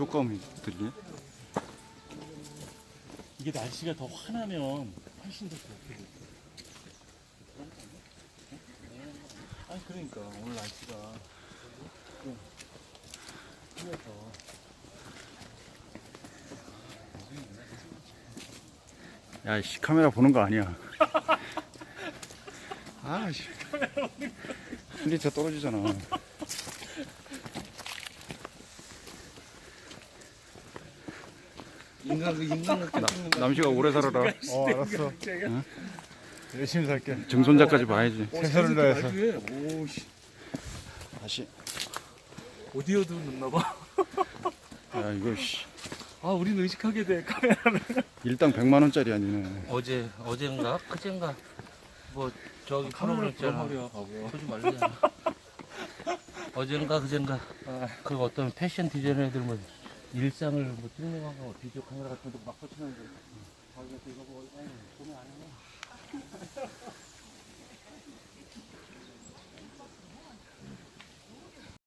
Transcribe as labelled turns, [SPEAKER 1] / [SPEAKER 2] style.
[SPEAKER 1] 효과음이 들리네.
[SPEAKER 2] 이게 날씨가 더 환하면 훨씬 더 좋게 돼. 아니 그러니까 오늘 날씨가 좀 흐려서
[SPEAKER 1] 야, 씨, 카메라 보는 거 아니야. 아, 씨. 퀄리티가 떨어지잖아.
[SPEAKER 3] 인간
[SPEAKER 1] 남씨가 오래 살아라.
[SPEAKER 2] 알았어.
[SPEAKER 1] 응?
[SPEAKER 2] 열심히 살게.
[SPEAKER 1] 증손자까지 봐야지.
[SPEAKER 2] 최선을 다해서.
[SPEAKER 3] 오씨.
[SPEAKER 1] 다시.
[SPEAKER 3] 오디오도 넣나봐.
[SPEAKER 1] 야, 이거, 씨.
[SPEAKER 3] 아, 우린 의식하게 돼, 카메라를.
[SPEAKER 1] 일당 100만 원짜리 아니네.
[SPEAKER 4] 어젠가 그젠가 뭐 저기
[SPEAKER 3] 카메라
[SPEAKER 4] 프로그램
[SPEAKER 3] 그런
[SPEAKER 4] 있잖아.
[SPEAKER 3] 말이야, 바보야.
[SPEAKER 4] 보지 말래잖아. 어젠가 그젠가 그 어떤 패션 디자이너 애들 뭐 일상을 뭐 찍는 거하고 비디오 카메라 같은 거 막 붙이는데 자기가 이거 뭐 아니 돈이 안 해.